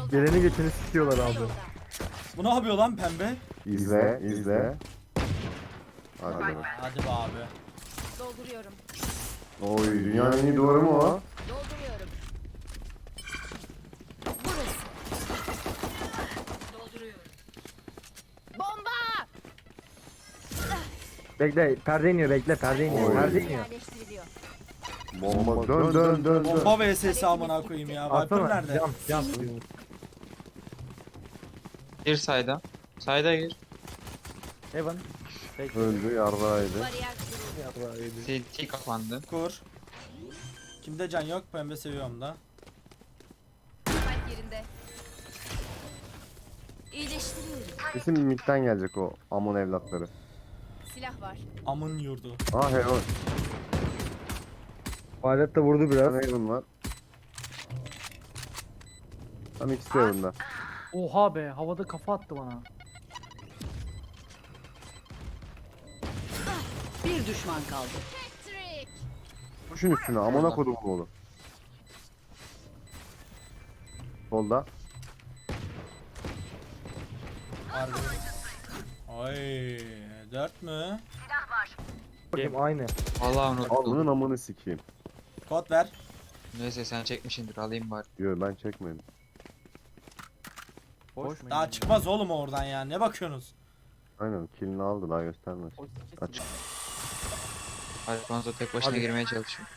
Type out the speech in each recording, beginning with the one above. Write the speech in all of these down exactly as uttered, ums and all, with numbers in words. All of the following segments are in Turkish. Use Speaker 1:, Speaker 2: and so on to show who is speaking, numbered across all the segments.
Speaker 1: Geleni geçeni sikiyorlar abi.
Speaker 2: Bu ne yapıyor lan pembe?
Speaker 3: İzle, izle. Hadi bakalım.
Speaker 2: Hadi be abi.
Speaker 4: Dolduruyorum.
Speaker 3: Oy, dünyanın en iyi duvarı mı o?
Speaker 4: Dolduruyorum. Burası. Dolduruyorum. Bomba!
Speaker 1: Bekle perde iniyor bekle perde iniyor
Speaker 3: Oy.
Speaker 1: perde iniyor.
Speaker 4: Yerleştiriliyor.
Speaker 3: Bomba dön dön dön dön.
Speaker 2: Bomba vs amına koyayım ya. Viper
Speaker 1: Atsana
Speaker 2: nerede?
Speaker 1: cam cam.
Speaker 5: Gir sayda. Sayda gir.
Speaker 1: Evan. Bekle.
Speaker 3: Öldü yardaydı.
Speaker 4: Bariyer kuruldu.
Speaker 5: C T kapandı.
Speaker 2: Kur. Kimde can yok? Pembe seviyorum da.
Speaker 4: Kalp yerinde. İyileştiriyorum.
Speaker 3: Kesin midden gelecek o Amon evlatları.
Speaker 4: Silah var.
Speaker 2: Amın yurdu.
Speaker 3: Ah Heaven.
Speaker 1: Alet de vurdu biraz.
Speaker 3: Tam Heaven var. Tam ikisi de Heaven'da.
Speaker 6: Oha be, havada kafa attı bana.
Speaker 4: Bir düşman kaldı. Patrick.
Speaker 3: Kuşun üstüne Amon'a kodumun oğlu. Solda.
Speaker 2: Harbi. Ay, dört mü?
Speaker 1: Bakayım aynı.
Speaker 5: Vallahi
Speaker 3: Al
Speaker 5: unuttum.
Speaker 3: bunun amını sikeyim.
Speaker 2: Kod ver.
Speaker 5: Neyse sen çekmişsindir, alayım bari.
Speaker 3: Yo ben çekmedim.
Speaker 6: Boş mu?
Speaker 2: Daha çıkmaz oğlum oradan ya. Ne bakıyorsunuz?
Speaker 3: Aynen killini aldı daha göstermez. Aç.
Speaker 5: Alfonso tek başına
Speaker 1: Hadi.
Speaker 5: girmeye çalışıyor.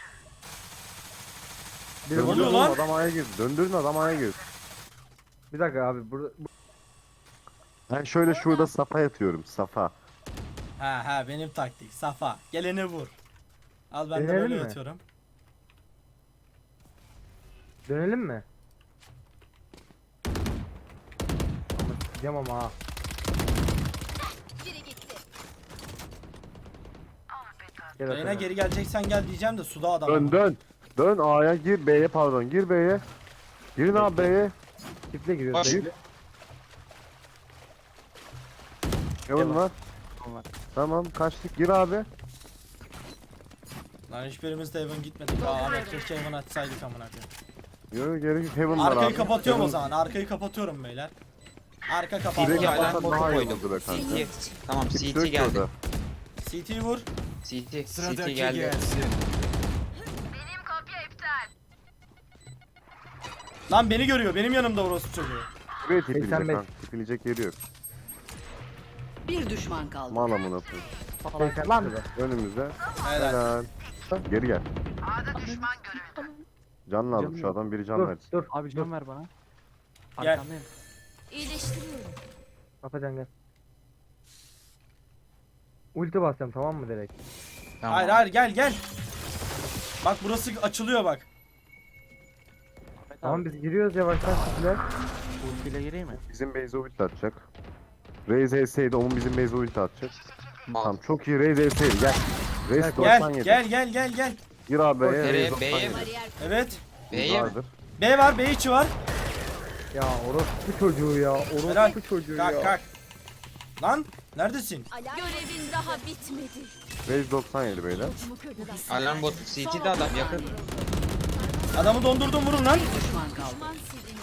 Speaker 1: Bir,
Speaker 2: Ne oluyor
Speaker 3: Döndürün
Speaker 2: lan?
Speaker 3: adam aya gir. Döndürün adam aya gir.
Speaker 1: bir dakika abi burada bu-
Speaker 3: Ben şöyle şurada safa yatıyorum safa.
Speaker 2: Ha ha benim taktik. Safa. Geleni vur. Al ben de
Speaker 1: Deneyelim
Speaker 2: böyle
Speaker 1: mi?
Speaker 2: yatıyorum.
Speaker 1: dönelim mi? Ama sikeceğim ama ha.
Speaker 4: Biri gitti.
Speaker 1: Gel
Speaker 2: Reyna
Speaker 1: atalım.
Speaker 2: geri geleceksen gel diyeceğim de suda adam.
Speaker 3: Dön dön. Dön A'ya gir B'ye pardon gir B'ye. Girin abi B'ye.
Speaker 1: Çiftle giriyoruz.
Speaker 5: Boş.
Speaker 1: Değil.
Speaker 3: Heaven var. Tamam kaçtık gir abi.
Speaker 2: Lan hiçbirimiz de Evan gitmedik. Aa Ahmet keşke Evan açsaydık amına koyayım.
Speaker 3: Yo gerek Heaven var abi.
Speaker 2: Arkayı kapatıyorum o
Speaker 3: Heaven-
Speaker 2: zaman. Arkayı kapatıyorum beyler. Arka
Speaker 3: Direkt
Speaker 2: kapattı.
Speaker 5: Peki,
Speaker 3: kapatsan
Speaker 5: alarm botu
Speaker 3: daha iyi
Speaker 5: koydum.
Speaker 3: oldu be kanka.
Speaker 5: C T. Tamam
Speaker 3: Kimse
Speaker 5: C
Speaker 3: yok
Speaker 5: T
Speaker 3: ki
Speaker 5: geldi.
Speaker 3: orada.
Speaker 2: C T vur.
Speaker 5: C T. C T geldi.
Speaker 2: Lan beni görüyor. Benim yanımda orospu çocuğu.
Speaker 3: Buraya tipilecek
Speaker 1: seksen beş.
Speaker 3: kanka. Tipilecek yeri yok.
Speaker 4: Bir düşman kaldı.
Speaker 3: Mal amına koyayım.
Speaker 1: seksen lan.
Speaker 3: Önümüzde.
Speaker 2: Helal.
Speaker 3: Helal. Geri gel. Can lazım şu adam biri can
Speaker 1: Dur
Speaker 3: versin.
Speaker 1: dur.
Speaker 6: Abi can ver bana.
Speaker 2: Gel.
Speaker 6: Arkandayım.
Speaker 4: İyileştiriyorum.
Speaker 1: Kapacan gel. Ulti basacağım tamam mı direkt?
Speaker 5: Tamam.
Speaker 2: Hayır hayır gel gel. Bak burası açılıyor bak.
Speaker 1: Tamam biz giriyoruz yavaştan siktiler.
Speaker 6: Ultiyle gireyim mi?
Speaker 3: Bizim base ulti atacak. Raze H'seydi onun bizim base ulti atacak.
Speaker 5: Mal.
Speaker 3: Tamam çok iyi Raze H'seydi gel. Raze
Speaker 2: Gel
Speaker 3: doksan yedi.
Speaker 2: gel gel gel gel.
Speaker 3: Gir abi B'ye
Speaker 5: Nereye?
Speaker 3: Raze
Speaker 5: B'ye
Speaker 3: doksan
Speaker 5: mi?
Speaker 3: yedi.
Speaker 4: Bariyer
Speaker 2: Evet.
Speaker 5: B'ye mi?
Speaker 3: Vardır.
Speaker 2: B var, B içi var.
Speaker 1: Ya orospu çocuğu ya.
Speaker 2: Helal.
Speaker 1: Orospu çocuğu
Speaker 2: Kalk
Speaker 1: ya.
Speaker 2: kalk. Lan neredesin?
Speaker 4: Görevin daha bitmedi.
Speaker 3: Raze doksan yedi beyler.
Speaker 4: Mu kırdılar.
Speaker 5: Alarm botu C T'de adam yakın.
Speaker 2: Adamı dondurdum vurun lan.
Speaker 4: Düşman kaldı. Düşman silindi.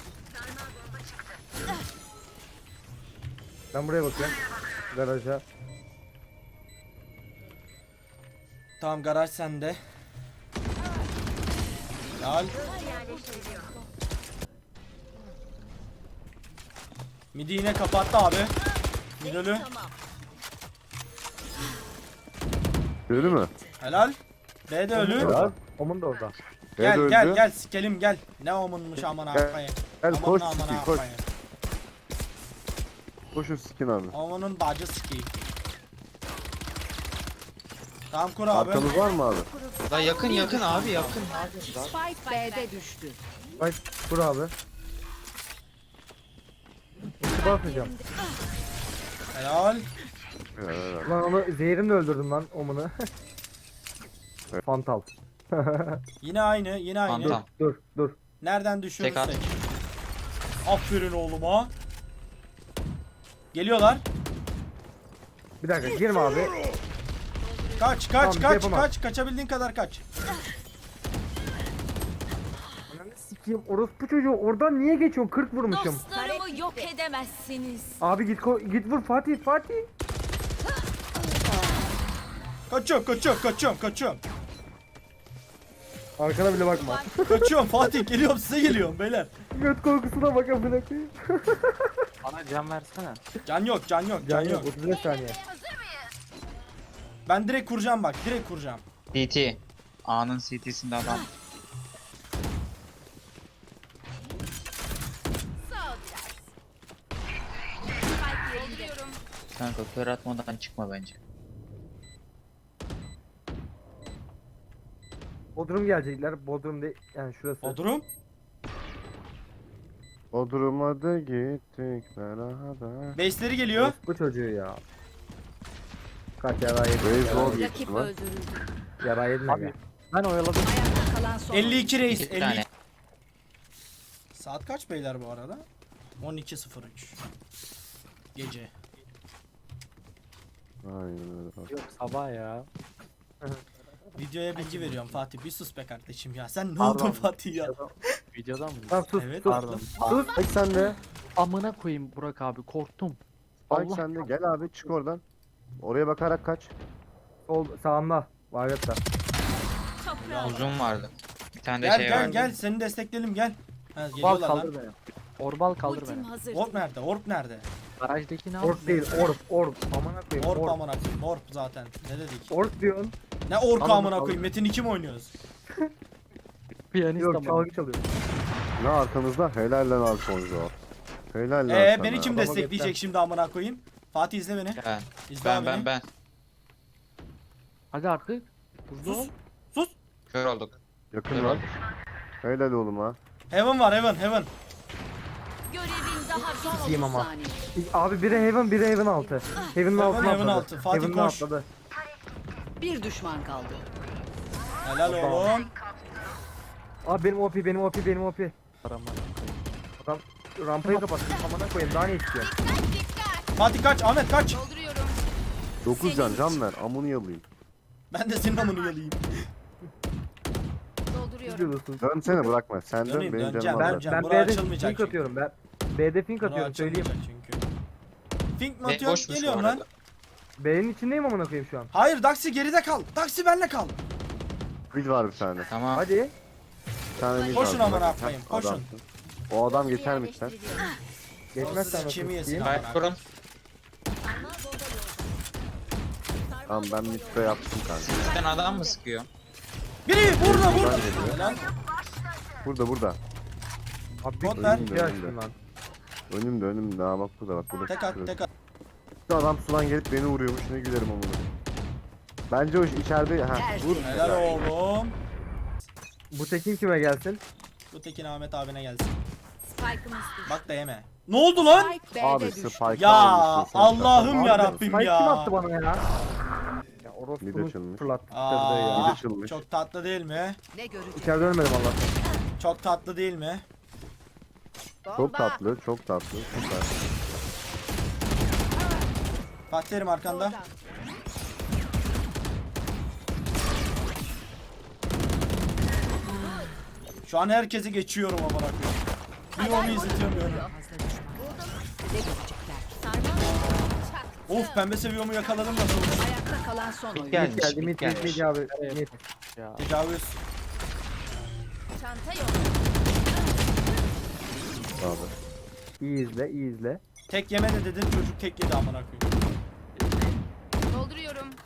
Speaker 1: Ben buraya bakıyorum. Garaja.
Speaker 2: Tamam garaj sende. Al. Midi yine kapattı abi. Midölü.
Speaker 4: Tamam.
Speaker 3: Gördü mü?
Speaker 2: Helal. B de ölü.
Speaker 3: Helal.
Speaker 1: Omun da orada.
Speaker 2: Gel
Speaker 3: B'de
Speaker 2: gel
Speaker 3: öldü.
Speaker 2: gel sikelim gel. Ne omunmuş aman
Speaker 3: Gel,
Speaker 2: afayı.
Speaker 3: Gel
Speaker 2: Aman
Speaker 3: koş
Speaker 2: aman
Speaker 3: skin koş.
Speaker 2: afayı.
Speaker 3: Koş şu skin abi.
Speaker 2: Omunun bacı sikeyim. Tamam kur abi.
Speaker 3: Arkamız var mı abi?
Speaker 5: Da yakın yakın abi yakın.
Speaker 4: Spike B'de düştü.
Speaker 1: Bak kur abi. Ulti basmayacağım.
Speaker 2: Helal.
Speaker 3: Helal, helal.
Speaker 1: Lan onu zehirimle öldürdüm lan omunu.
Speaker 3: Evet.
Speaker 1: Fantal.
Speaker 2: Yine aynı yine aynı.
Speaker 5: Tamam.
Speaker 1: Dur dur.
Speaker 2: Nereden düşüyoruz
Speaker 5: Tek at.
Speaker 2: tek. Aferin oğluma. Geliyorlar.
Speaker 1: Bir dakika girme abi.
Speaker 2: Kaç
Speaker 1: Tamam,
Speaker 2: kaç
Speaker 1: bir şey
Speaker 2: kaç
Speaker 1: yapamam.
Speaker 2: kaç kaçabildiğin kadar kaç.
Speaker 1: sikeyim orospu çocuğu oradan niye geçiyorsun? kırk vurmuşum.
Speaker 4: Dostlarımı yok edemezsiniz.
Speaker 1: Abi git ko- git vur Fatih Fatih.
Speaker 2: Kaçıyorum kaçıyorum kaçıyorum kaçıyorum.
Speaker 1: Arkana bile bakma.
Speaker 2: Kaçıyorum Fatih, geliyorum size geliyorum beyler.
Speaker 1: Göt korkusuna bak amına koyayım.
Speaker 6: Bana can versene.
Speaker 2: Can yok can yok can,
Speaker 1: Can
Speaker 2: yok.
Speaker 1: yok otuz beş saniye.
Speaker 2: Ben direkt kuracağım bak, direkt kuracağım.
Speaker 5: C T. A'nın C T'sinde adam.
Speaker 4: Sağ ol biraz. Spike yerinde.
Speaker 5: Kanka kör atmadan çıkma bence.
Speaker 1: Bodrum gelecekler. Bodrum değil yani şurası.
Speaker 2: O durum.
Speaker 3: O duruma da gittik beraber.
Speaker 2: Base'leri geliyor.
Speaker 1: Bu çocuğu ya. Kaç yara yedin?
Speaker 3: Reis zor
Speaker 4: Rakip
Speaker 3: geçti lan.
Speaker 4: öldürüldü.
Speaker 1: Yara yedin
Speaker 6: Abi
Speaker 1: aga.
Speaker 6: ben oyaladım.
Speaker 4: Ayakta kalan son.
Speaker 2: elli iki reis.
Speaker 5: Bir
Speaker 2: elli
Speaker 5: tane.
Speaker 2: iki. Saat kaç beyler bu arada? on iki sıfır üç. Gece.
Speaker 3: Aynen öyle.
Speaker 6: Yok sabah ya.
Speaker 2: Videoya bilgi veriyorum Fatih. Bir sus be kardeşim ya. Sen ne
Speaker 6: Pardon.
Speaker 2: oldun Fatih ya?
Speaker 6: Videodan mı?
Speaker 1: Tamam sus
Speaker 2: Evet.
Speaker 1: sus.
Speaker 6: Pardon.
Speaker 1: Sus.
Speaker 3: Bak sen de.
Speaker 6: Amına koyayım Burak abi korktum.
Speaker 3: Bak
Speaker 6: Allah
Speaker 3: sen de. Gel abi çık oradan. Oraya bakarak kaç.
Speaker 1: Sol sağında. Varyatta.
Speaker 4: Toprağa.
Speaker 5: Uzun vardı. Bir tane de
Speaker 2: Gel
Speaker 5: şey
Speaker 2: gel
Speaker 5: vardı.
Speaker 2: gel, seni destekleyelim gel. Ha,
Speaker 6: Orbal
Speaker 2: geliyorlar
Speaker 6: kaldır
Speaker 2: lan.
Speaker 6: beni. Orbal kaldır
Speaker 4: Ultim
Speaker 6: beni.
Speaker 4: hazır.
Speaker 2: Orp nerede? Orp nerede?
Speaker 6: Garajdaki ne
Speaker 1: Orp
Speaker 6: yaptın?
Speaker 1: değil orp orp. Amına koyayım
Speaker 2: Orp
Speaker 1: orp.
Speaker 2: amına koyayım. Orp zaten. Ne dedik?
Speaker 1: Orp diyorsun.
Speaker 2: Ne orku
Speaker 6: Alın,
Speaker 2: amına
Speaker 6: alın.
Speaker 2: koyayım? Metin iki mi oynuyoruz?
Speaker 6: Piyanist
Speaker 1: Yok
Speaker 6: ama.
Speaker 1: çalgı çalıyor.
Speaker 3: Ne arkamızda? Helal lan Alfonso. Helal lan
Speaker 2: Ee
Speaker 3: sana.
Speaker 2: beni kim
Speaker 1: Adama
Speaker 2: destekleyecek
Speaker 1: göster.
Speaker 2: şimdi amına koyayım? Fatih izle beni.
Speaker 5: Ben.
Speaker 2: İzle
Speaker 5: Ben
Speaker 2: abi
Speaker 5: ben
Speaker 2: beni.
Speaker 5: ben.
Speaker 6: Hadi artık. Hızlı ol.
Speaker 2: Sus. Sus.
Speaker 5: Kör olduk.
Speaker 3: Yakın lan. Helal oğlum ha.
Speaker 2: Heaven var heaven heaven.
Speaker 4: Görevin daha son
Speaker 1: Sikeyim
Speaker 4: otuz
Speaker 1: ama.
Speaker 4: saniye.
Speaker 1: Abi biri Heaven biri Heaven altı. Heaven'ın
Speaker 2: Heaven,
Speaker 1: altına
Speaker 2: Heaven
Speaker 1: atladı.
Speaker 2: altı. Fatih
Speaker 1: Heaven'dan
Speaker 2: koş.
Speaker 1: atladı.
Speaker 4: Bir düşman kaldı.
Speaker 2: Helal oğlum.
Speaker 1: Abi benim O P benim O P benim O P.
Speaker 6: Paramı.
Speaker 1: Adam rampayı kapattı. Amına koyayım daha ne istiyor?
Speaker 2: Fatih kaç, Ahmet kaç.
Speaker 4: Dolduruyorum.
Speaker 3: dokuz can can ver. Amını yalayım.
Speaker 2: Ben de senin amını yalayayım.
Speaker 1: Ne
Speaker 4: Dolduruyorum.
Speaker 1: diyorsun?
Speaker 3: Dönsene bırakma. Sen dön
Speaker 2: Döneyim,
Speaker 3: benim
Speaker 2: döneceğim.
Speaker 3: canım
Speaker 2: Ben-
Speaker 3: alır.
Speaker 2: Can,
Speaker 1: Ben
Speaker 2: buraya
Speaker 1: B'de
Speaker 2: açılmayacak
Speaker 1: fink
Speaker 2: çünkü.
Speaker 1: atıyorum ben. B'de fink
Speaker 2: Bunu
Speaker 1: atıyorum söyleyeyim.
Speaker 2: açılmayacak çünkü. Fink mi
Speaker 5: Ve
Speaker 2: atıyorsun?
Speaker 5: boşmuş bu
Speaker 2: Geliyorum lan.
Speaker 5: arada.
Speaker 1: B'nin içindeyim amına koyayım şu an.
Speaker 2: Hayır Daxi geride kal. Daxi benle kal.
Speaker 3: Mid var bir tane.
Speaker 5: Tamam.
Speaker 1: Hadi.
Speaker 3: Bir tane mid
Speaker 2: Koşun
Speaker 3: var.
Speaker 2: amına
Speaker 3: Bak,
Speaker 2: koyayım,
Speaker 3: heh,
Speaker 2: koşun.
Speaker 3: adamsın. O adam geçer midden.
Speaker 1: Geçmezsen
Speaker 2: Olsun, kimi
Speaker 1: nasıl
Speaker 2: yesin
Speaker 1: sikeyim?
Speaker 2: abi?
Speaker 5: Gayet kurun.
Speaker 3: Tamam ben midde yaptım kanka.
Speaker 5: Sizden adam mı sıkıyor?
Speaker 2: Biri burada burada.
Speaker 3: Ben geliyor.
Speaker 2: Helal.
Speaker 3: Burada burada.
Speaker 1: Abi
Speaker 2: Bot
Speaker 1: bir
Speaker 2: ver.
Speaker 1: şey açtım lan.
Speaker 3: Önümde önümde. Ha bak burada bak. Burada.
Speaker 2: Tek at
Speaker 3: Şurası.
Speaker 2: tek at.
Speaker 3: Şu adam sudan gelip beni vuruyormuş. Ne gülerim amına. Bence o iş içeride. Ha vur.
Speaker 2: Helal oğlum.
Speaker 1: Bu tekin kime gelsin?
Speaker 2: Bu Tekin Ahmet abine gelsin.
Speaker 4: Spike'ımız düştü.
Speaker 2: Bak da yeme. Ne oldu lan?
Speaker 4: Spike
Speaker 3: Abi
Speaker 4: B'de düştü.
Speaker 3: spike
Speaker 2: Ya
Speaker 3: almışsın sen.
Speaker 2: Allah'ım
Speaker 1: Abi,
Speaker 2: ya Rabbim
Speaker 1: Spike
Speaker 2: ya.
Speaker 1: kim attı bana ya? Ya
Speaker 3: Mid
Speaker 1: orospunun
Speaker 3: açılmış.
Speaker 1: fırlattırdı
Speaker 2: Aa,
Speaker 1: ya.
Speaker 3: açılmış.
Speaker 2: çok tatlı değil mi?
Speaker 4: Ne görecek?
Speaker 1: İçeride ölmedim Allah.
Speaker 2: Çok tatlı değil mi?
Speaker 3: Çok tatlı, çok tatlı. Süper.
Speaker 2: Fatih Terim arkanda. Şu an herkesi geçiyorum amına koyayım. Bir onu izletiyorum.
Speaker 4: Ne görecekler?
Speaker 2: Of pembe seviyomu yakaladım nasıl olmuş?
Speaker 4: Ayakta kalan son oyun.
Speaker 5: Gel.
Speaker 1: Mid geldi mid mid
Speaker 5: gelmiş.
Speaker 1: mid abi. Mid.
Speaker 6: Ya.
Speaker 2: Tecavüz.
Speaker 4: Çanta yok.
Speaker 3: Abi.
Speaker 1: İyi izle iyi izle.
Speaker 2: Tek yeme de dedin çocuk tek yedi amına koyayım.
Speaker 4: Dolduruyorum.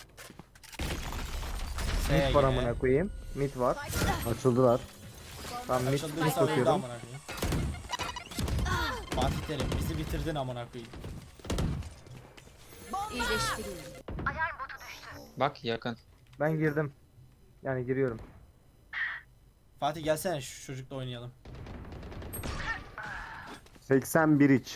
Speaker 2: S
Speaker 1: Mid var
Speaker 2: G.
Speaker 1: amına koyayım. Mid var.
Speaker 3: Açıldılar.
Speaker 1: Tam mid
Speaker 2: Açıldıysa
Speaker 1: mid
Speaker 2: öldü
Speaker 1: atıyorum.
Speaker 2: amına koyayım. Fatih Terim bizi bitirdin amına koyayım.
Speaker 4: İyileştiriyorum.
Speaker 5: Bak yakın.
Speaker 1: Ben girdim. Yani giriyorum.
Speaker 2: Fatih gelsene şu çocukla oynayalım.
Speaker 3: seksen bir iç.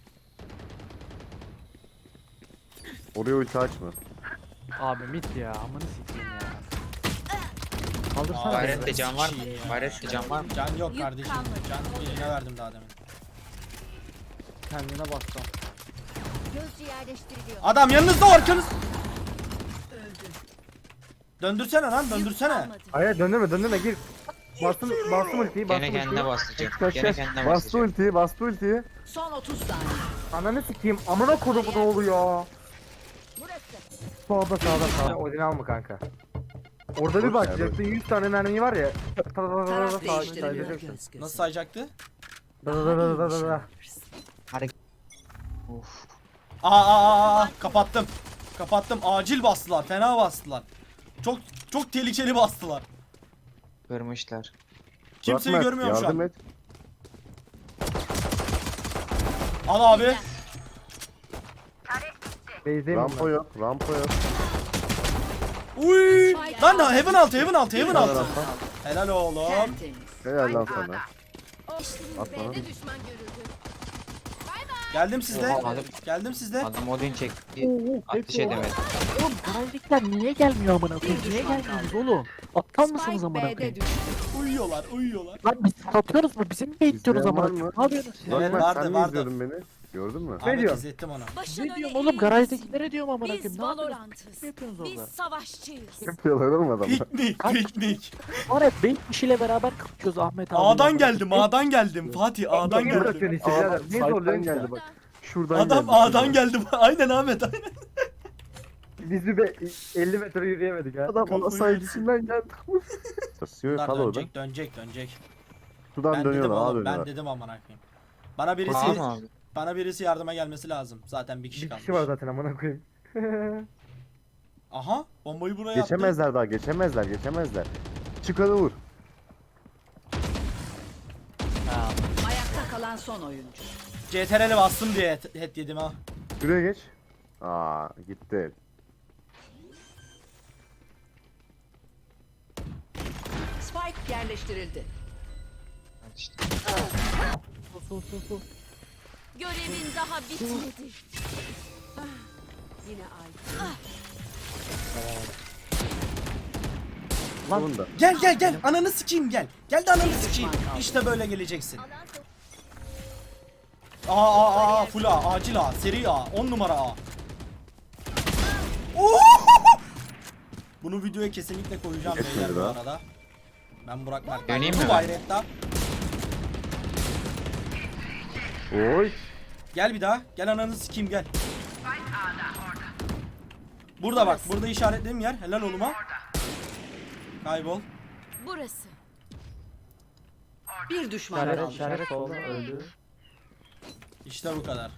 Speaker 3: Oraya ulti açma.
Speaker 6: Abi mit ya. Amını sikeyim ya. Kaldırsana.
Speaker 2: Aa,
Speaker 6: beni.
Speaker 5: Gayret'te can var mı?
Speaker 2: Şey ya.
Speaker 5: Gayret'te can var mı?
Speaker 2: Can yok
Speaker 4: Yük
Speaker 2: kardeşim.
Speaker 4: kalmadı.
Speaker 2: Can birine verdim daha demin.
Speaker 6: Kendine bastım.
Speaker 4: Gözcü yerleştiriliyor.
Speaker 2: Adam yanınızda arkanız. Döndürsene lan döndürsene.
Speaker 1: Hayır döndürme döndürme gir. Bastım, bastım ultiyi, bastım
Speaker 5: Gene kendine
Speaker 1: ultiyi.
Speaker 5: bastıracak.
Speaker 3: Kaç
Speaker 5: Gene
Speaker 3: kaç.
Speaker 5: kendine
Speaker 3: Bastı
Speaker 5: bastıracak.
Speaker 3: ultiyi, bastı ultiyi.
Speaker 4: Son otuz saniye.
Speaker 1: Ananı sikeyim, amına kodumu ne oluyor?
Speaker 4: Burası.
Speaker 1: Sağda sağda sağda. Odin alma kanka. Orada bir
Speaker 3: Boş
Speaker 1: bak,
Speaker 3: ver,
Speaker 1: Jet'in yüz tane mermi var ya. Ta ta ta ta ta
Speaker 4: Taraf
Speaker 1: sağ-
Speaker 4: değiştiriliyor.
Speaker 1: sayacaksın.
Speaker 2: Nasıl sayacaktı?
Speaker 1: Da da da da da da da.
Speaker 5: Of.
Speaker 2: Aa, aa, aa, kapattım. Kapattım. Acil bastılar. Fena bastılar. Çok çok tehlikeli bastılar.
Speaker 5: Kırmışlar.
Speaker 2: Kimseyi
Speaker 3: Bırakma,
Speaker 2: görmüyorum şu
Speaker 3: yardım
Speaker 2: an.
Speaker 3: et.
Speaker 2: Al abi.
Speaker 1: Beyzdeyim
Speaker 3: Rampa
Speaker 1: onlar.
Speaker 3: yok, rampa yok.
Speaker 2: Uy! Lan da heaven altı, heaven altı, heaven
Speaker 3: Helal
Speaker 2: altı.
Speaker 3: rampa.
Speaker 2: Helal oğlum.
Speaker 4: Tertemiz.
Speaker 3: Helal lan sana. At bana.
Speaker 4: B'de düşman görüldü.
Speaker 2: Geldim sizde.
Speaker 5: Oha, adam-
Speaker 2: Geldim sizde.
Speaker 5: Adam Odin çekti. Ateş
Speaker 6: hepsi
Speaker 5: edemedi.
Speaker 6: Oğlum garajdakiler niye gelmiyor amına koyayım? Niye gelmiyorsunuz oğlum? Aptal mısınız
Speaker 4: Spike
Speaker 6: amına
Speaker 4: B'de
Speaker 6: koyayım?
Speaker 4: düştü.
Speaker 2: Uyuyorlar, uyuyorlar.
Speaker 6: Lan biz satıyoruz mu? Bizim mi bekliyoruz
Speaker 3: İzleyen var
Speaker 6: amına
Speaker 3: mı?
Speaker 6: koyayım? Ne yapıyorsunuz siz?
Speaker 2: Evet,
Speaker 3: Bak,
Speaker 2: vardı,
Speaker 3: sen mi
Speaker 2: vardı.
Speaker 3: izliyordun beni? Gördün mü?
Speaker 2: Ahmet
Speaker 1: diyorsun?
Speaker 2: izlettim ona.
Speaker 7: Başın
Speaker 6: Ne
Speaker 7: öne
Speaker 6: diyorum oğlum?
Speaker 7: eğilmesin.
Speaker 6: Garajdakilere diyorum amına koyayım.
Speaker 7: Biz
Speaker 6: Ne yapıyorsunuz?
Speaker 7: Valorant'ız.
Speaker 6: Ne yapıyorsunuz
Speaker 7: Biz
Speaker 6: orada?
Speaker 7: savaşçıyız.
Speaker 3: Yapıyorlar oğlum adamlar.
Speaker 2: Piknik,
Speaker 6: Kaç-
Speaker 2: piknik.
Speaker 6: Var ya beş kişiyle beraber kapışıyoruz Ahmet abi.
Speaker 2: A'dan geldim, A'dan geldim. Fatih A'dan
Speaker 1: Niye
Speaker 2: geldim.
Speaker 1: bırakıyorsun işte birader? Niye
Speaker 3: Side'den
Speaker 1: zorluyorsun
Speaker 3: geldi
Speaker 1: geldi
Speaker 3: bak. Şuradan
Speaker 2: Adam
Speaker 3: geldi.
Speaker 2: A'dan geldi. Aynen Ahmet, aynen.
Speaker 1: Biz bir be- elli metre yürüyemedik ha.
Speaker 3: Adam ona saygısından geldi. Sasıyor
Speaker 2: Bunlar
Speaker 3: kal orada.
Speaker 2: dönecek, dönecek, dönecek.
Speaker 3: Sudan
Speaker 2: Ben dedim
Speaker 3: dönüyorlar, ağa
Speaker 2: oğlum, ben
Speaker 3: dönüyorlar.
Speaker 2: dedim amına koyayım. Bana birisi
Speaker 5: Tamam mı abi?
Speaker 2: bana birisi yardıma gelmesi lazım. Zaten bir kişi
Speaker 1: Bir
Speaker 2: kalmış.
Speaker 1: kişi var zaten amına koyayım.
Speaker 2: Aha, bombayı buraya attı.
Speaker 3: Geçemezler daha, geçemezler, geçemezler. Çıkanı vur.
Speaker 6: Ha,
Speaker 4: Ayakta kalan son oyuncu.
Speaker 2: C T R L'e bastım diye head head yedim ha.
Speaker 3: Şuraya geç. Aa gitti.
Speaker 4: Spike yerleştirildi.
Speaker 5: İşte.
Speaker 6: su su su.
Speaker 7: Görevin daha bitmedi.
Speaker 4: Yine ay.
Speaker 3: Bunun da.
Speaker 2: Gel gel gel, ananı sikeyim gel. Gel de ananı sikeyim. İşte böyle geleceksin. Aa aa aa full A, acil A, seri A, on numara A. Oo! Bunu videoya kesinlikle koyacağım
Speaker 3: Geçmedi
Speaker 2: beyler bu
Speaker 3: daha.
Speaker 2: arada. Ben Burak Mert.
Speaker 5: Döneyim
Speaker 2: Bu
Speaker 5: mi ben?
Speaker 2: bayretta.
Speaker 3: Oy.
Speaker 2: Gel bir daha. Gel ananı sikeyim gel. Burada bak. Burada işaretlediğim yer. Helal oğluma. Kaybol.
Speaker 7: Burası.
Speaker 4: Bir düşman
Speaker 6: İşaret
Speaker 4: kaldı.
Speaker 6: işaret oldu öldü.
Speaker 2: İşte bu kadar.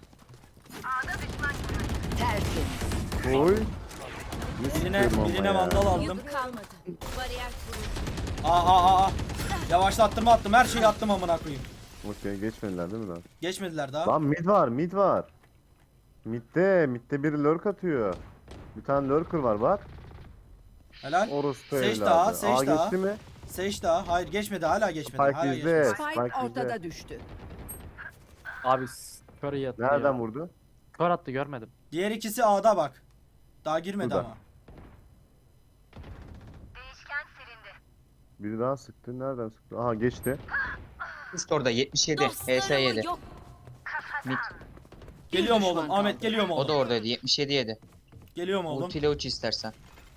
Speaker 4: Tertemiz.
Speaker 3: Oy. Ne
Speaker 2: Birine,
Speaker 3: sıkıyorum ama
Speaker 2: birine
Speaker 3: ya.
Speaker 2: vandal aldım.
Speaker 7: Yük kalmadı. Bariyer kuruldu.
Speaker 2: Aa aa aa. Yavaşlattım attım. Her şeyi attım amına koyayım.
Speaker 3: Okey geçmediler değil mi lan?
Speaker 2: Geçmediler daha.
Speaker 3: Lan mid var, mid var. Midde, midde biri lurk atıyor. Bir tane lurker var bak.
Speaker 2: Helal.
Speaker 3: Orospu
Speaker 2: Seç
Speaker 3: evladı.
Speaker 2: daha, seç
Speaker 3: Aa,
Speaker 2: daha.
Speaker 3: geçti mi?
Speaker 2: Seç daha. Hayır geçmedi. Hala geçmedi.
Speaker 3: Spike
Speaker 2: Hala
Speaker 3: bizde.
Speaker 2: geçmedi.
Speaker 4: Spike
Speaker 3: Spike
Speaker 4: ortada
Speaker 3: bizde.
Speaker 4: düştü.
Speaker 6: Abi kör yattı
Speaker 3: Nereden
Speaker 6: ya.
Speaker 3: vurdu?
Speaker 6: Kör attı görmedim.
Speaker 2: Diğer ikisi A'da bak. Daha girmedi
Speaker 3: Burada.
Speaker 2: ama.
Speaker 3: Biri daha sıktı. Nereden sıktı? Aha geçti.
Speaker 5: Üst orada yetmiş yedi. H S yedi.
Speaker 7: Dostlarımı yok.
Speaker 5: Mid.
Speaker 2: Geliyorum
Speaker 4: düşman
Speaker 2: oğlum.
Speaker 4: kaldı.
Speaker 2: Ahmet geliyorum
Speaker 5: O da
Speaker 2: oğlum.
Speaker 5: oradaydı. yetmiş yedi yedi.
Speaker 2: Geliyorum oğlum.
Speaker 5: Ultiyle uç istersen.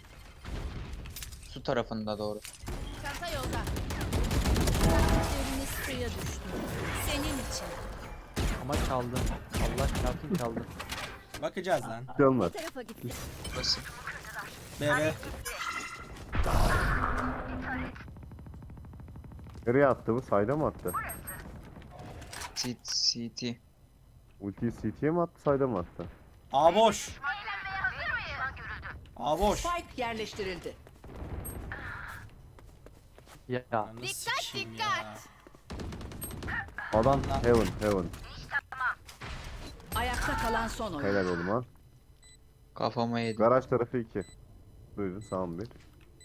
Speaker 5: Su tarafında doğru.
Speaker 7: Çanta yolda. Üzeriniz suya düştü. Senin için.
Speaker 6: Ama çaldı. Allah çarpsın çaldı.
Speaker 2: Bakacağız lan.
Speaker 3: Bir şey olmaz.
Speaker 7: Bu tarafa gitti.
Speaker 5: Burası.
Speaker 2: B B.
Speaker 3: Nereye attı bu? Sayda mı attı?
Speaker 5: C C T.
Speaker 3: Ultiyi C T'ye mi attı? Sayda mı attı?
Speaker 2: A boş. A boş.
Speaker 4: Spike yerleştirildi.
Speaker 6: Ya.
Speaker 2: Ananı
Speaker 7: Dikkat,
Speaker 2: sikeyim
Speaker 7: dikkat.
Speaker 2: ya.
Speaker 3: Adam heaven, heaven.
Speaker 4: Ayakta kalan son oyuncu.
Speaker 3: Helal oğlum ha.
Speaker 5: Kafama yedi.
Speaker 3: Garaj tarafı iki. Buyurun sağım bir.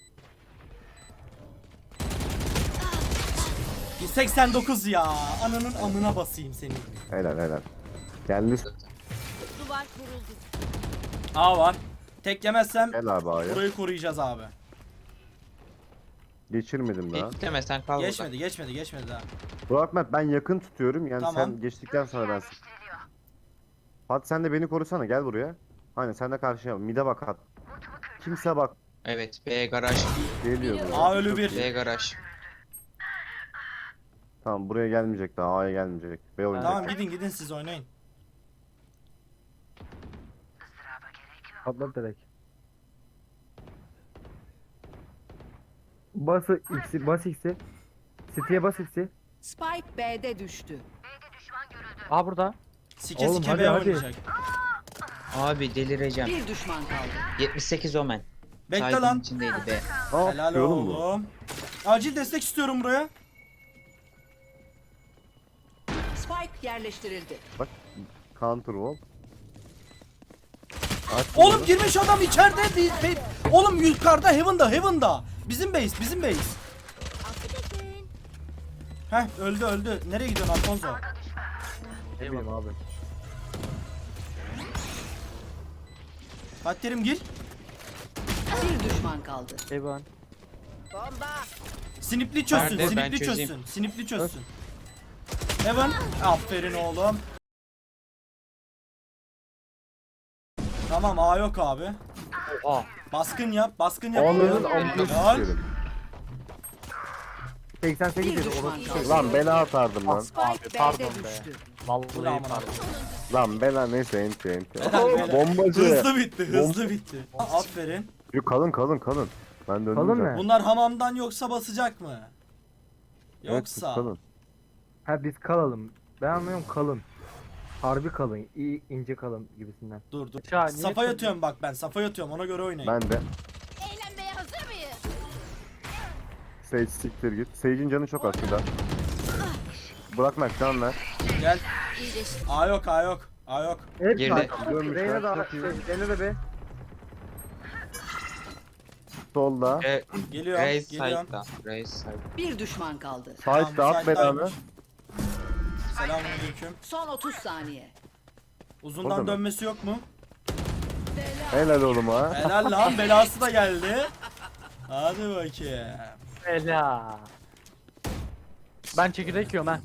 Speaker 2: seksen dokuz ya. Ananın amına basayım seni.
Speaker 3: Helal helal. Geldi.
Speaker 7: Duvar kuruldu.
Speaker 2: A var. Tek yemezsem
Speaker 3: Gel abi A'ya.
Speaker 2: burayı koruyacağız abi.
Speaker 3: Geçirmedim daha.
Speaker 5: Beklemesen kal burada.
Speaker 2: Geçmedi, geçmedi, geçmedi daha.
Speaker 3: Burak Mert ben yakın tutuyorum. Yani
Speaker 2: Tamam.
Speaker 3: sen geçtikten sonra ben sık. Fatih sen de beni korusana gel buraya. Aynen sen de karşıya. Mide bak at. Kimse bak.
Speaker 5: Evet. B garaj.
Speaker 3: Geliyor buraya.
Speaker 2: A ölü bir.
Speaker 5: B garaj.
Speaker 3: Tamam buraya gelmeyecek daha. A'ya gelmeyecek. B oynayacak.
Speaker 2: Tamam gidin gidin siz oynayın.
Speaker 1: Patlat direkt. Bas X'i, bas X'i. City'ye bas X'i.
Speaker 4: Spike B'de düştü.
Speaker 6: Aa burada.
Speaker 2: Sike
Speaker 1: Oğlum,
Speaker 2: sike
Speaker 1: hadi,
Speaker 2: B
Speaker 1: hadi.
Speaker 2: oynayacak.
Speaker 5: Abi delireceğim.
Speaker 4: Bir düşman kaldı.
Speaker 5: yetmiş sekiz Omen.
Speaker 2: Bekle
Speaker 5: Saydığın
Speaker 2: lan.
Speaker 5: içindeydi be.
Speaker 3: Ne
Speaker 2: Helal
Speaker 3: yapıyor oğlum bu?
Speaker 2: oğlum. Acil destek istiyorum buraya.
Speaker 4: Spike yerleştirildi.
Speaker 3: Bak counter wall. Aç
Speaker 2: Oğlum
Speaker 3: bunu.
Speaker 2: girmiş adam içeride. Bir, bir- Oğlum yukarıda Heaven'da Heaven'da. Bizim base bizim base.
Speaker 7: Affedersin.
Speaker 2: Heh öldü öldü. Nereye gidiyorsun Alfonso?
Speaker 1: Ne bileyim abi.
Speaker 2: Fatih Terim gir.
Speaker 4: Bir düşman kaldı.
Speaker 6: Evan.
Speaker 7: Bomba.
Speaker 2: Snipli çözsün,
Speaker 5: Nerede? Ben
Speaker 2: snipli
Speaker 5: çözeyim.
Speaker 2: çözsün, snipli çözsün. Evan, aferin oğlum. Tamam A yok abi.
Speaker 6: Oha.
Speaker 2: Baskın yap, baskın yap.
Speaker 3: Onların
Speaker 2: Helal.
Speaker 3: amına
Speaker 2: Helal.
Speaker 3: sikerim.
Speaker 1: seksen sekiz
Speaker 4: Bir
Speaker 1: dedi.
Speaker 4: düşman
Speaker 1: Orası
Speaker 4: kaldı.
Speaker 3: Lan bela atardım lan.
Speaker 4: Spike
Speaker 6: Abi,
Speaker 4: B'de
Speaker 6: pardon be.
Speaker 4: düştü.
Speaker 2: Ulan
Speaker 6: Vallahi
Speaker 2: amına
Speaker 6: pardon.
Speaker 3: Lan bela neyse enti enti.
Speaker 2: Helal, helal.
Speaker 3: Bombacı.
Speaker 2: Hızlı bitti, hızlı bitti. Aferin.
Speaker 3: Yok kalın kalın kalın. Ben döndüm
Speaker 1: Kalın
Speaker 3: zaten.
Speaker 1: ne?
Speaker 2: Bunlar hamamdan yoksa basacak mı?
Speaker 3: Evet,
Speaker 2: Yoksa.
Speaker 3: kalın.
Speaker 1: Ha biz kalalım. Ben anlıyorum kalın. Harbi kalın. İyi ince kalın gibisinden.
Speaker 2: Dur dur.
Speaker 6: Ya, niye
Speaker 2: Safa
Speaker 6: kırdın?
Speaker 2: yatıyorum bak ben, safa yatıyorum ona göre oynayın.
Speaker 3: Ben de.
Speaker 7: Eğlenmeye hazır mıyız?
Speaker 3: Sage siktir git. Sage'in canı çok az şurada. Bırakmak can ver.
Speaker 2: Gel.
Speaker 7: İyileşti.
Speaker 2: A yok, A yok. A yok.
Speaker 1: Hep
Speaker 5: Girdi.
Speaker 1: zaten.
Speaker 3: Dönmüşler,
Speaker 1: Reyna da
Speaker 3: çok iyi.
Speaker 1: Reyna da be.
Speaker 3: Solda.
Speaker 5: Re
Speaker 2: Geliyorum,
Speaker 5: Raze
Speaker 2: geliyorum.
Speaker 5: side'da. Raze side.
Speaker 4: Bir düşman kaldı.
Speaker 3: Sage de at belanı.
Speaker 2: Selamünaleyküm.
Speaker 4: Son otuz saniye.
Speaker 2: Uzundan
Speaker 3: Orada mı?
Speaker 2: dönmesi yok mu?
Speaker 3: Helal oğlum ha.
Speaker 2: Helal lan, belası da geldi. Hadi bakayım.
Speaker 6: Ela. Ben çekirdek yiyorum ha.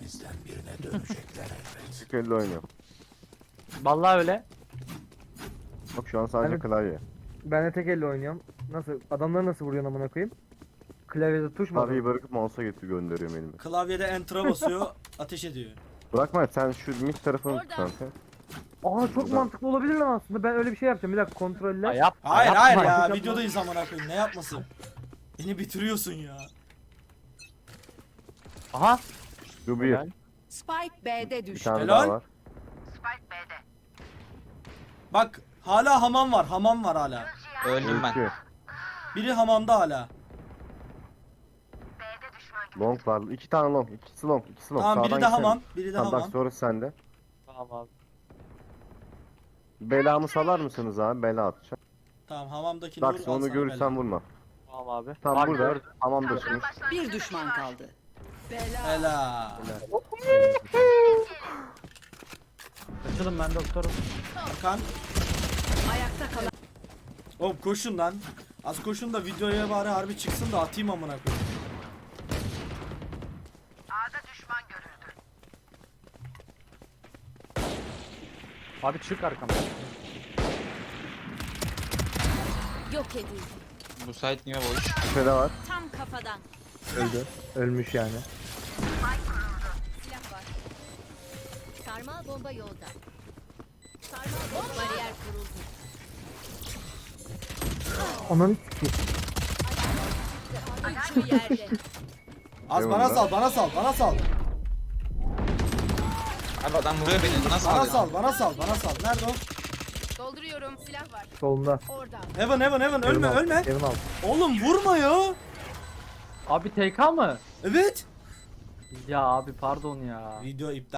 Speaker 3: Tükelle oynuyor.
Speaker 6: Vallahi öyle.
Speaker 3: Bak şu an sadece
Speaker 1: Hani-
Speaker 3: klavye.
Speaker 1: Ben de tek elle oynuyorum. Nasıl? Adamları nasıl vuruyorsun amına koyayım? Klavyede tuş mu?
Speaker 3: Klavyeyi bırakıp mouse'a getir gönderiyorum elime.
Speaker 2: Klavyede enter'a basıyor, ateş ediyor.
Speaker 3: Bırakma sen şu mid tarafını tut
Speaker 7: Orada.
Speaker 3: kanka.
Speaker 1: Aa çok
Speaker 3: Burada.
Speaker 1: mantıklı olabilir lan aslında. Ben öyle bir şey yapacağım. Bir dakika kontrolle.
Speaker 6: Ya yap.
Speaker 2: Hayır
Speaker 6: yapma.
Speaker 2: hayır ya,
Speaker 1: yapma.
Speaker 2: videodayız amına koyayım. Ne yapması? Beni bitiriyorsun ya.
Speaker 6: Aha.
Speaker 3: Şu bir.
Speaker 6: Helal.
Speaker 4: Spike B'de
Speaker 3: Bir
Speaker 4: düştü.
Speaker 3: tane
Speaker 2: Helal.
Speaker 3: daha var.
Speaker 2: Bak hala hamam var, hamam var hala.
Speaker 5: Öldüm ben.
Speaker 3: İki.
Speaker 2: Biri hamamda hala.
Speaker 3: Long var. İki tane long. İkisi long. İkisi long.
Speaker 2: Tamam biri
Speaker 3: Sağdan
Speaker 2: de
Speaker 3: gitsene.
Speaker 2: hamam, biri de
Speaker 3: Tamam bak
Speaker 2: hamam.
Speaker 3: sonra sende.
Speaker 6: Tamam abi.
Speaker 3: Belamı salar mısınız abi? Bela atacağım.
Speaker 2: Tamam hamamdakini
Speaker 3: Bak
Speaker 2: vur, al
Speaker 3: onu
Speaker 2: sana
Speaker 3: görürsen
Speaker 2: bela.
Speaker 3: vurma.
Speaker 6: Tamam abi.
Speaker 3: Tam
Speaker 6: Bak,
Speaker 3: burada.
Speaker 6: gördüm.
Speaker 3: Hamam da şimdi.
Speaker 4: Bir düşman kaldı. Bela.
Speaker 2: Helal.
Speaker 6: Açılın ben doktorum.
Speaker 2: Hakan.
Speaker 4: Ayakta kalan
Speaker 2: Oğlum koşun lan. Az koşun da videoya bari harbi çıksın da atayım amına koyayım.
Speaker 6: Abi çık arkamda.
Speaker 7: Yok edildi.
Speaker 5: Bu site niye boş?
Speaker 3: Şöyle var.
Speaker 7: Tam kafadan.
Speaker 1: Öldü. Ölmüş yani.
Speaker 7: Silah var. Sarmal bomba yolda. Sarmal bomba. Bariyer kuruldu.
Speaker 1: Ananı sikeyim.
Speaker 7: Üçü yerde.
Speaker 2: Az
Speaker 3: Eyvallah.
Speaker 2: bana sal, bana sal, bana sal.
Speaker 5: Abi adam vuruyor beni. Nasıl
Speaker 2: Bana
Speaker 5: alıyor?
Speaker 2: sal, bana sal, bana sal. Nerede o?
Speaker 7: Dolduruyorum. Silah var.
Speaker 1: Solunda.
Speaker 7: Orada.
Speaker 2: Heaven, heaven, heaven. Ölme,
Speaker 1: Evin altı,
Speaker 2: ölme.
Speaker 1: Evin altı.
Speaker 2: Oğlum vurma ya.
Speaker 6: Abi T K mı?
Speaker 2: Evet.
Speaker 6: Ya abi pardon ya.
Speaker 2: Video iptal.